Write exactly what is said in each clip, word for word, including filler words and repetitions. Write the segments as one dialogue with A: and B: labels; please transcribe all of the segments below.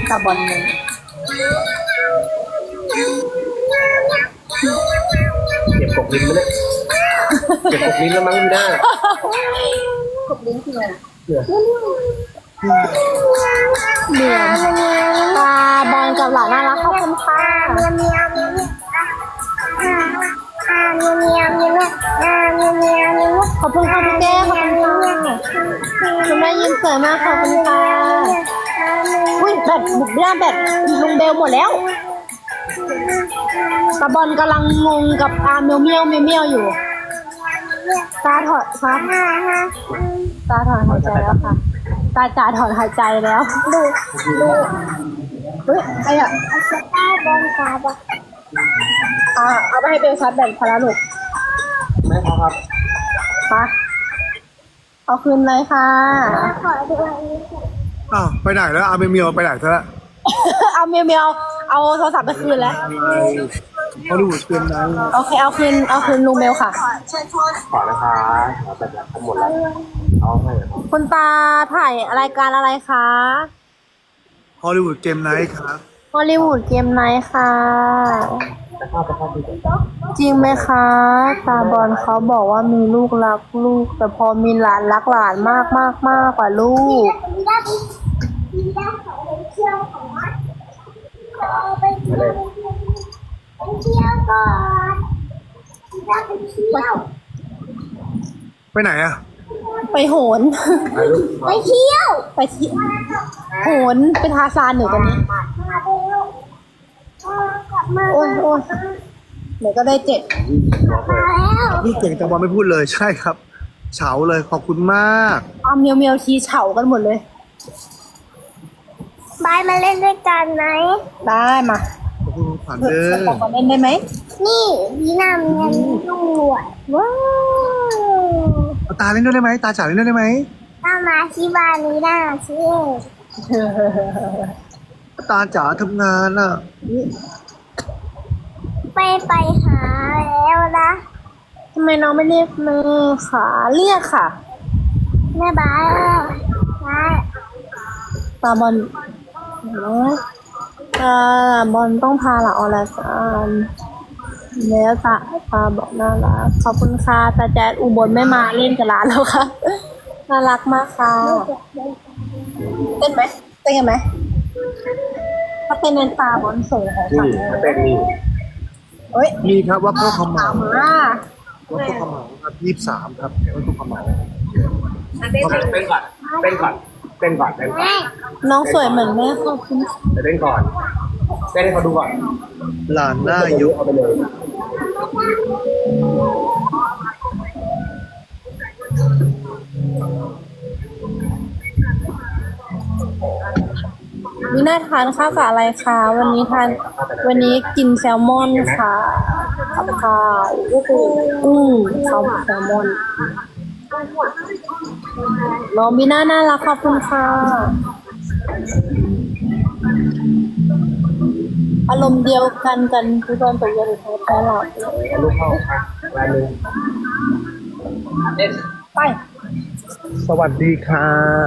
A: ตาบอลเลย
B: เก็บกบลิ้นมาเลยเก็บกบลิ้นแล้วมั้งไม่ได้
A: กบลิ้นคืออะไร
B: เหลือ
A: เหมือนตาบอลกับหลานน่ารักขอบคุณค่ะ
C: เมียวเมียวเมียวอ่าเมียวเมียวเมียวอ่าเมียวเมียวเมียว
A: ขอบคุณค่ะพี่แก้ขอบคุณค่ะคุณแม่ยิ้มสวยมากขอบคุณค่ะอุ้ยแบตบุกย่าแบตลุงเบลหมดแล้วตาบอลกำลังงงกับอาเมียวเมียวเมียวเมียวอยู่ตาถอดฟ้าตาถอนหายใจแล้วค่ะตาจ่าถอนหายใจแล้วดูดูเฮ้ยไอ้อะ
C: สตาร์บอลกาบะ
A: อ่าเอาไปให้เบลซัดแบตพาราลูก
B: แม่ครับ
A: ปะเอาคืนเลยค่ะ
C: ขอดูอันนี้
D: อ้าวไปไหนแล้วอาเมียวไปไหนซะละ
A: เอาเมียวเมียวเอาโทรศัพท์ไปคืนแล้ว
D: ฮอลลีวูดเกมนั้น
A: โอเคเอาคืนเอาคืนลุงเบลค่ะ
B: ขอนะคะขอแต่ทั้งหมดแล้วเอาให้ครับ
A: คุณตาถ่ายรายการอะไรคะ
D: ฮอลลีวูดเกมไนท์ครับ
A: ฮอลลีวูดเกมไนท์ค่ะ
B: จะเข้าไปเข้าไปก่อน
A: จริงไหมคะ ตาบอลเขาบอกว่ามีลูกรักลูก แต่พอมีหลานรักหลานมากมากมากกว่าลูก
C: มีด้านมีด้านของไปเที่ยวของวัดขอไปเที่ยวไปเที่ยวก่อนมีด้านไปเที่ยว
D: ไปไหนอะ
A: ไปโหน
C: ไปเที่ยว
A: ไปที่โหนไปทาซานอยู่ตอนนี้
C: มาเร็วกลับมา
A: โอ้ยโอ้ยเดี๋ยวก็ได้เจ็ด
C: มาแล้ว
D: พี่เก่งแต่บอลไม่พูดเลยใช่ครับ เฉาเลยขอบคุณมาก
A: เอาเมียวเมียวทีเฉากันหมดเลย
C: บายมาเล่นด้วยกันไหม
A: ได้มา
D: ขอบคุณขวัญเด้อ
A: ขอเล่นได้ไหม
C: นี่บีนามีเงินด้วยว้าว
D: เอาตาเล่นด้วยได้ไหมตาจ๋าเล่นด้วยได้ไหม
C: ถ้ามาที่บ้านนี้ได้สิ
D: ตาจ๋าทำงานอะ
C: ไปไปหาแล้วนะ
A: ทำไมน้องไม่เรียกแม่ค่ะเรียกค่ะ
C: แม่บ้านบาย
A: ตาบอลนะตาบอลต้องพาหลังออกรายการแล้วตาตาบอกน่ารักขอบคุณค่ะตาแจ๊ดอุบลไม่มาเล่นกับร้านแล้วค่ะน่ารักมากค่ะเต้นไหมเต้นกันไหมถ้าเต้นในตาบอลส่งของขวั
B: นี่
A: ญ
B: ถ้าเป็นนี่
A: เฮ้ย
D: มีครับว่าพ่อขมเห
A: ตา
D: ลาม
A: มา
D: ว่าพ่อขมเหลาครับยี่สิบสามครับว่าพ่อขมเหลา
B: เต้นก่อนเต้นก่อนเต้นก่อนเต้นก่อน
C: แม่
A: น้องสวยเหมือนแม่ขอบคุณค่ะ
B: เดี๋ยวเต้นก่อนเต้นให้เขาดูก่อน
D: หลานหน้ายุ
B: เอาไปเลย
A: วิน่าทานข้าวกับอะไรคะวันนี้ทานวันนี้กินแซลมอนค่ะกับข้าวก็คือกุ้งข้าวแซลมอนน้องวิน่าน่ารักขอบคุณค่ะอารมณ์เดียวกันกันทุกคนตัวเยอะหรือแพ้หลับเลย
B: เอาลูกเข้าอ่ะลายมือเต้น
A: ไป
D: สวัสดีค่ะ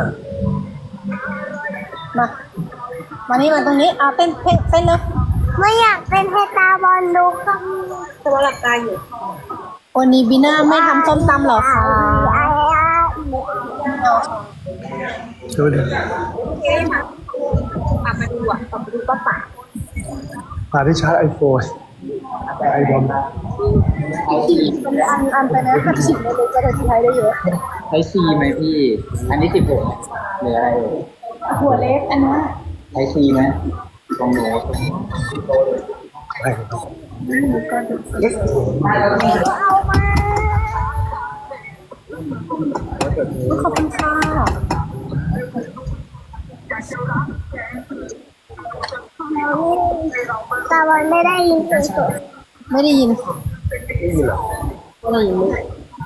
A: มามานี่มาตรงนี้เอาเต้นเต้นเต้นเลย
C: ไม่อยากเป็นให้ตาบอลดูค่ะ
A: ตัวหลับตาอยู่วันนี้บีน่าไม่ทำส้มตำเหรอคะ
C: ไอ้ไอ้
D: สวัสดี
A: ปากมาดูอ่ะปากมาดูก็ปาก
D: พาที่ชาร์จไอโฟนไอบอม
A: อันอันไปนะห้าสิบเลยจะได้ใช้ได้เยอะ
E: ใช้ซีไหมพี่ อันนี้สิบหกหรืออะไรเอ่ย
A: หัวเล็กอันนี้
E: ใช้ซีไหมลองดู
D: ใช่ครับ
C: เอามา
A: ขอบคุณค่ะ
C: ตาบอลไม่ได้ยินเสียงสด
A: ไม่ได้ยิน
B: นี่เหรอ
A: ไม่ได้ยินเลย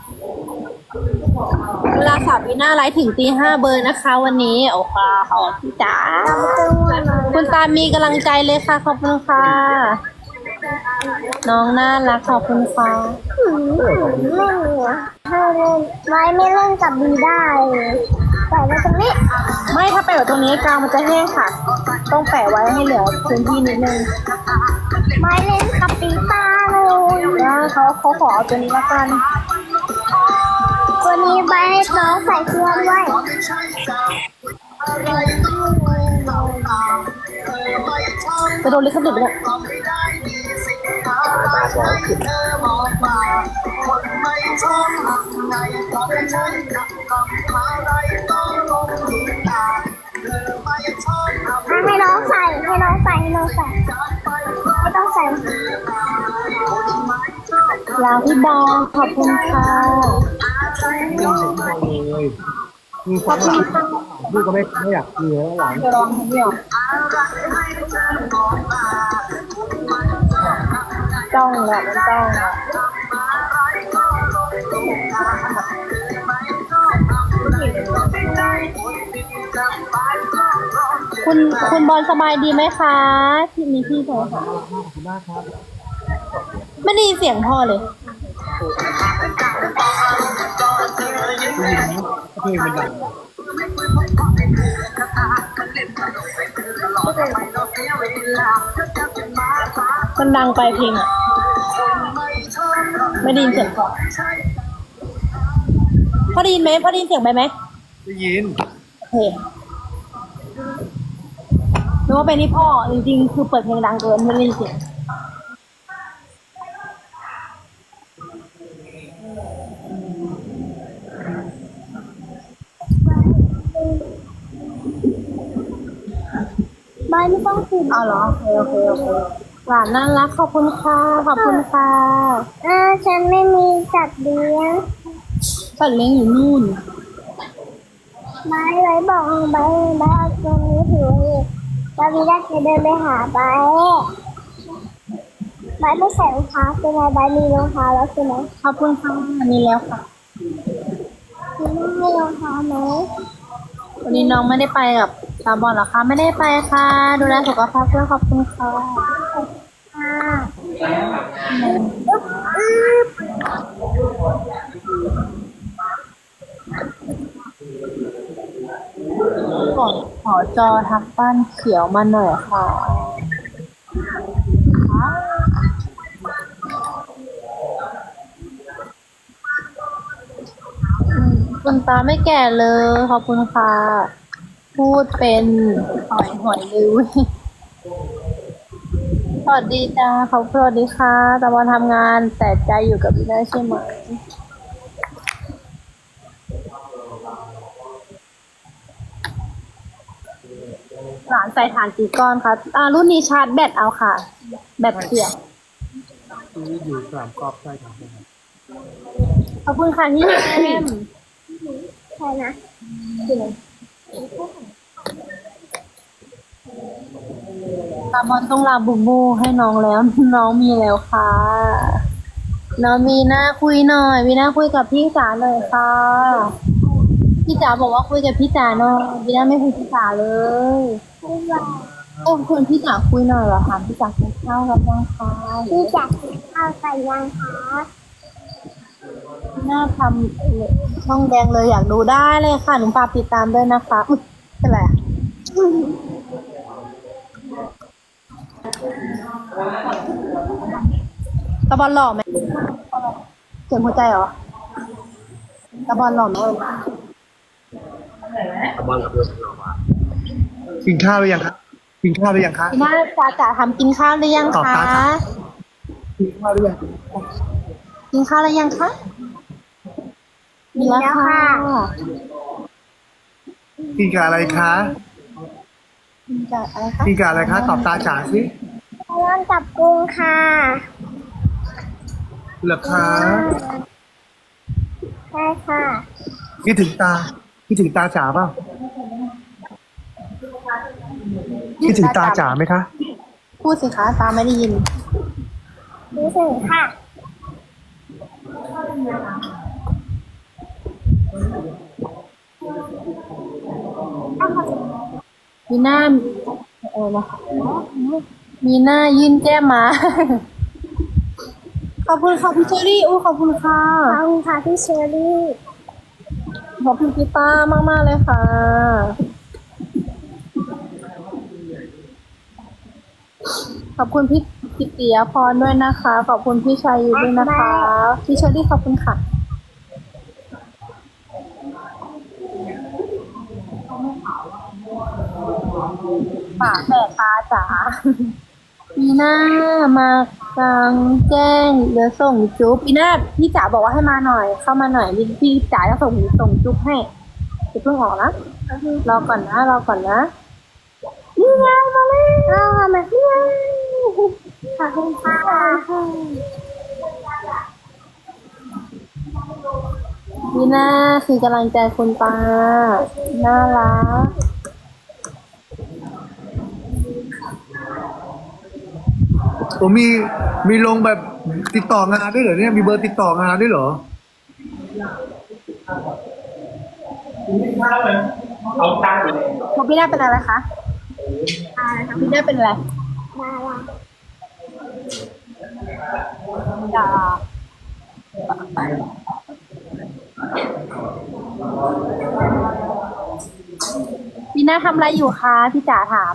A: เวลาสาววีน่าไลฟ์ถึงตีห้าเบอร์นะคะ วันนี้โอ้ค่ะขอบคุณจ๋า
C: เราจะง่วงนอน
A: คุณตามีกำลังใจเลยค่ะขอบคุณค่ะ น้องน่ารักขอบคุณค่ะ
C: หืมไม่เหนือถ้าเล่นไม้ไม่เล่นกับบีได้เลยแต่ะไว้ตรงนี้
A: ไม่ถ้าแปะไว้ตรงนี้กลางมันจะแห้งค่ะ ต้องแปะไว้ให้เหลือพื้นที่นิดนึง
C: ไม่เล่นกับปีตาเลย
A: นะเขาเขาขอเอาตัวนี้ละกัน
C: วันนี้ใบให้น้องใส่เครื่องด้วย
A: จะโดนลิขสิทธิ์ไหมเนี่ย
B: ตาสองสิบ
C: ให้น้องใส่ให้น้องใส่ให้น้องใส่ไม่ต้องใส่
A: ลาพี่บอลขอบคุณค่ะ
D: เลยมีความหลังลูกก็ไม่ไม่อยากมีแล้วหลัง
A: จะลองทำเดียวจ้องแหละมันจ้องแหละคุณคุณบอลสบายดีไหมคะที่มีพี่โทรค่ะ
D: ขอบคุณมากครับ
A: ไม่ได้ยินเสียงพ่อเลย
D: เพลงมันดัง
A: มันดังไปเพลงอ่ะ ไม่ได้ยินเสียงพ่อพ่อได้ยินไหมพ่อได้ยินเสียงไปไหม
D: ได้ยิน
A: โอเคนึกว่าเป็นที่พ่อจริงๆคือเปิดเพลงดังเกินไม่ได้ยินเสียง
C: ใบไม่ต้องกิน
A: เอาเหรอโอเคโอเคโอเคหลานน่ารักขอบคุณค่ะขอบคุณค่ะ
C: อ่าฉันไม่มีจัดเลี้ยง
A: สัตว์เลี้ยงอยู่นู่น
C: ใบไว้บอกใบใบเอาตัวนี้ถือไว้แล้ววีได้จะเดินไปหาใบใบไม่ใส่รองเท้าใช่ไหมใบมีรองเท้าแล้วใช่ไหม
A: ขอบคุณค่ะมีแล้วค่ะ
C: คุณไม่ให้รองเท้าไหม
A: วันนี้น้องไม่ได้ไปกับตาบอลเหรอคะไม่ได้ไปค่ะดูแลสุขภาพด้วยขอบคุณค่ะ
C: ค่ะ
A: ขอขอจอทักบ้านเขียวมาหน่อยค่ะอืมคุณตาไม่แก่เลยขอบคุณค่ะ พูดเป็นหอยหอยเลยเว้ยสวัสดีจ้าเขาสวัสดีค่ะตะวันทำงานแต่ใจอยู่กับพี่ได้ใช่ไหมหลานใส่ฐานกี่ก้อนคะอ่ารุ่นนี้ชาร์จแบตเอาค่ะ แบตเสียบ
D: ซื้ออยู่สามกรอบใช่ครับ
A: ขอบคุณค่ะที่แอม
C: ใช่นะ
A: ตาบอลต้องลาบูบูให้น้องแล้ว น้องมีแล้วค่ะ น้องมีหน้าคุยหน่อย มีหน้าคุยกับพี่จ๋าหน่อยค่ะ พี่จ๋าบอกว่าคุยกับพี่จ๋าหน่อยมีหน้าไม่คุยกับพี่จ๋าเลย
C: ไม่ว่า
A: โอ้คุณพี่จ๋าคุยหน่อยเหรอคะพี่จ๋ากินข้าวกับยังคะ
C: พี่จัดข้าวใส่ยังคะ
A: หน้าทำช่องแดงเลยอยากดูได้เลยค่ะหนูฝากติดตามด้วยนะคะอุ๊ยเป็นไรอะตะบอลหล่อไหมเสียงหัวใจเหรอตะบอลหล่อไหม
B: ตะบอลกับเพื่อนเรามา
D: กินข้าวหรือยังครับกินข้าวหรือยังคะ
A: พี่น่าจ๋าจ๋าทำกินข้าวหรือยัง
D: ตอบ
A: คะ
D: ตามค่ะ กินข้าวหรือยัง
A: กินข้าวหรือยังคะมีแล้วค่ะ
D: กินกับอะไรคะ
A: กินกับอะไรคะ
D: กินกับอะไรคะตอบตาจ๋าสิ
C: ร้อนกับกุ้งค่ะ
D: เหรอคะ
C: ใช่ค่ะ
D: คิดถึงตาคิดถึงตาจ๋าเปล่าคิดถึงตาจ๋าไหมคะ
A: พูดสิคะตาไม่ได้ยิน
C: รู้สึกค่ะ
A: มีหน้าเออนะคะมีหน้ายื่นแก้มมา ขอบคุณค่ะพี่เชอรี่อู้ขอบคุณค่ะ
C: ขอบคุณค่ะพี่เชอรี่
A: ขอบคุณพี่ต้ามากๆเลยค่ะ ขอบคุณพี่กิตติยพรด้วยนะคะ ขอบคุณพี่ชัยยุทธด้วยนะคะ พี่เชอรี่ขอบคุณค่ะปากแตกตาจ๋า ปีหน้ามากลางแจ้งเดี๋ยวส่งจุ๊บปีหน้าพี่จ๋าบอกว่าให้มาหน่อย เข้ามาหน่อยพี่พี่จ๋าจะส่งส่งจุ๊บให้จะเพิ่งออกนะรอก่อนนะรอก่อนนะนี่ไงมาเลยอ้าวมานี่ไงขอบคุณค่ะปีหน้าคือกำลังใจคุณตาน่ารัก
D: ผมมีมีลงแบบติดต่องานด้วยเหรอเนี่ยมีเบอร์ติดต่องานด้วยเหรอ
A: ของพี่หน้าเป็นอะไรคะพี่หน้าเป็นอะไร
C: มาละ
A: ดาพี่หน้าทำอะไรอยู่คะพี่จ๋าถาม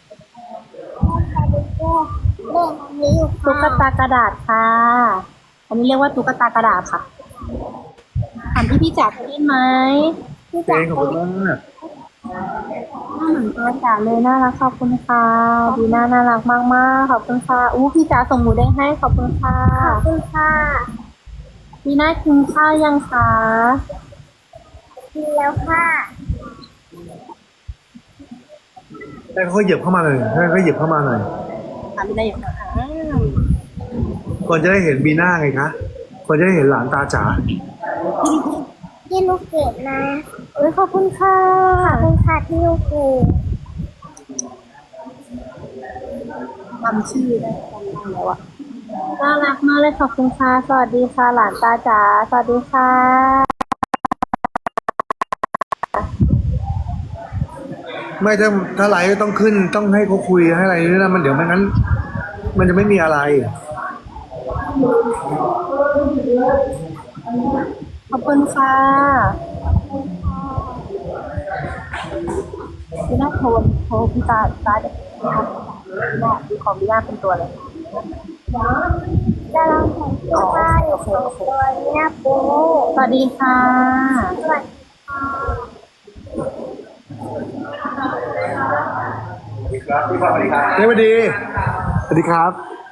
C: เด็กอันนี้อยู่
A: ตุ๊กตากระดาษค่ะ อันนี้เรียกว่าตุ๊กตากระดาษค่ะ ถามพี่พี่จ๋าเคยเล่นไหมพี่
D: เพล
A: จ๋าง
D: ขอบคุณมาก
A: หน้าเหมือนตัวจ๋าเลยน่ารักขอบคุณค่ะดีน่าน่ารักมากมากๆขอบคุณค่ะอู้พี่จ๋าส่งหมูแดงให้ขอบคุณค่ะ
C: ขอบคุณค่ะ
A: พี่น่ากินข้าวยังคะ
C: กินแล้วค่ะ
D: ให้เขาเหยียบเข้ามาหน่อยให้เขาเหยียบเข้ามาหน่อย
A: ถามพี่น่าอยู่นะอ้าว
D: ก่อนจะได้เห็นบีน่าไงคะก่อนจะได้เห็นหลานตาจ๋า
C: ที่ลูกเกดนะ
A: เอ้ยขอบคุณค่ะ
C: ขอบคุณค่ะที่ลูกเกด
A: จำชื่อได้จำได้แล้วอะน่ารักมากเลยขอบคุณค่ะสวัสดีค่ะ หลานตาจ๋าสวัสดีค่ะ
D: ไม่ถ้าถ้าไลฟ์ต้องขึ้นต้องให้เขาคุยให้อะไรนี่นะมันเดี๋ยวไม่งั้น มันจะไม่มีอะไร
A: ขอบคุณค่ะพี่น่าโทรโทรพี่ตาตาเด็กพี่น่าพี่ขอพี่น่าเป็นตัวเลย
C: จะลองแต่งเสื้อผ้าอยู่สองตัวนี้นะปู
A: สวัสดีค่ะ
C: สวัสดี
D: เฮ้ยสวัสดี สวัสดีครับ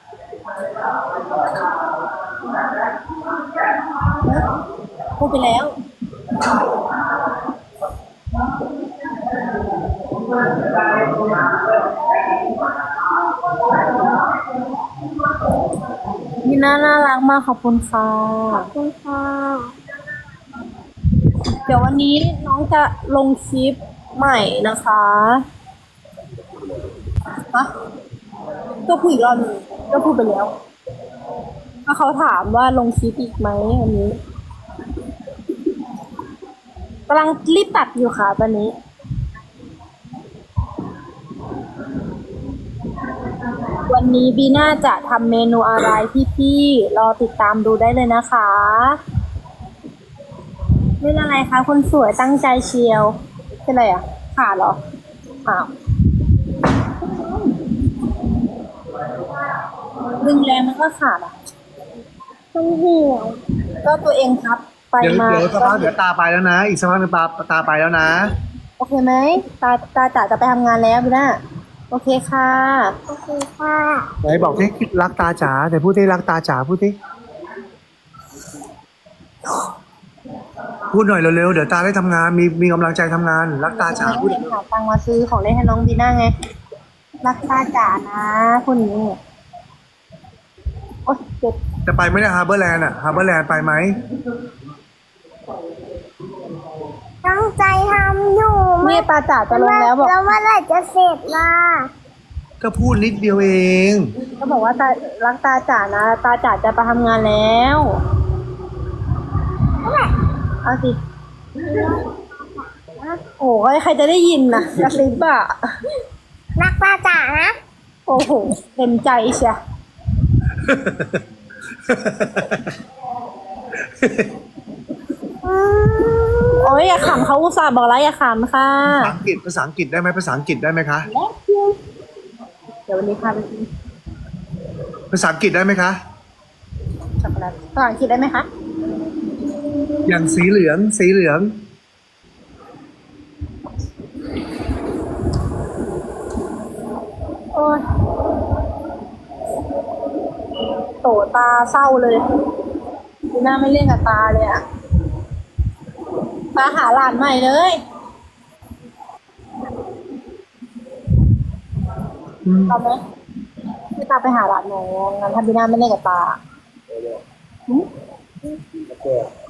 A: พูดไปแล้วพี่น่าน่ารักมากขอบคุณค่ะ
C: ขอบคุณค่ะ
A: เดี๋ยววันนี้น้องจะลงคลิปใหม่นะคะฮะก็พูดอีกรอบหนึงก็พูดไปแล้วก็เขาถามว่าลงคลิปอีกไหมวันนี้กำลังรีบตัดอยู่ค่ะตอนนี้ วันนี้บีน่าจะทำเมนูอะไรพี่ๆรอติดตามดูได้เลยนะคะเล่นอะไรคะคนสวยตั้งใจเชียวเป็นอะไรอ่ะขาดเหรออ้าวดึงแรงมันก็ขาดอ่ะ
C: มันเหี่ยว
A: ก็ตัวเองครับไป
D: เดี๋ยว
A: มา
D: เดี๋ยวสักพักเดี๋ยวตาไปแล้วนะ อีกสักพักหนึงตาตาไปแล้วนะ
A: โอเคไหมตาตาจ๋าจะไปทำงานแล้วบีน่าโอเคค่ะ
C: โอเคค่ะ
D: ไหนบอกที่รักตาจ๋าไหนพูดที่รักตาจ๋าพูดที่พูดหน่อยเร็วๆเดี๋ยวตาได้ทำงานมีมีกำลังใจทำงาน รักตาจ๋าพูด
A: เห็นหาตังค์มาซื้อของเล่นให้น้องบีน่าไงรักตาจ๋านะคุณนี้โอ๊ยเจ็บ
D: จะไปไหมเนี่ยฮาร์เบอร์แลนด์อะฮาร์เบอร์แลนด์ไปไหม
C: ตั้งใจทำอยู่
A: เนี่ยตาจ๋าจะลงแล้วบอก
C: แล้วเมื่อไหร่จะเสร็จล่ะ
D: ก็พูดนิดเดียวเอง
A: ก็บอกว่าตารักตาจ๋านะ ตาจ๋าจะไปทำงานแล้วเอาสิโอ้ยใครจะได้ยินนะกระซิบอะ
C: รักป้าจ๋านะ
A: โอ้โหเต็มใจเชีย
C: อืม
A: โอ้ยอย่าขำเขาอุตส่าห์บอกแล้วอย่าขำค่ะ
D: ภาษาอังกฤษภาษาอังกฤษได้ไหมภาษาอังกฤษได้ไหมคะ
A: เดี๋ยววันนี้พาไปกิน
D: ภาษาอังกฤษได้ไหมคะ
A: ช็อกโกแลตภาษาอังกฤษได้ไหมคะ
D: อย่างสีเหลืองสีเหลือง
A: โอ้ยโตตาเศร้าเลยดูหน้าไม่เล่นกับตาเลยอะตาหาหลานใหม่เลย
D: อืม
A: เอาไหมให้ตาไปหาหลานหนูงั้นถ้าบีน่าไม่เล่นกับตาหืม
B: โอเค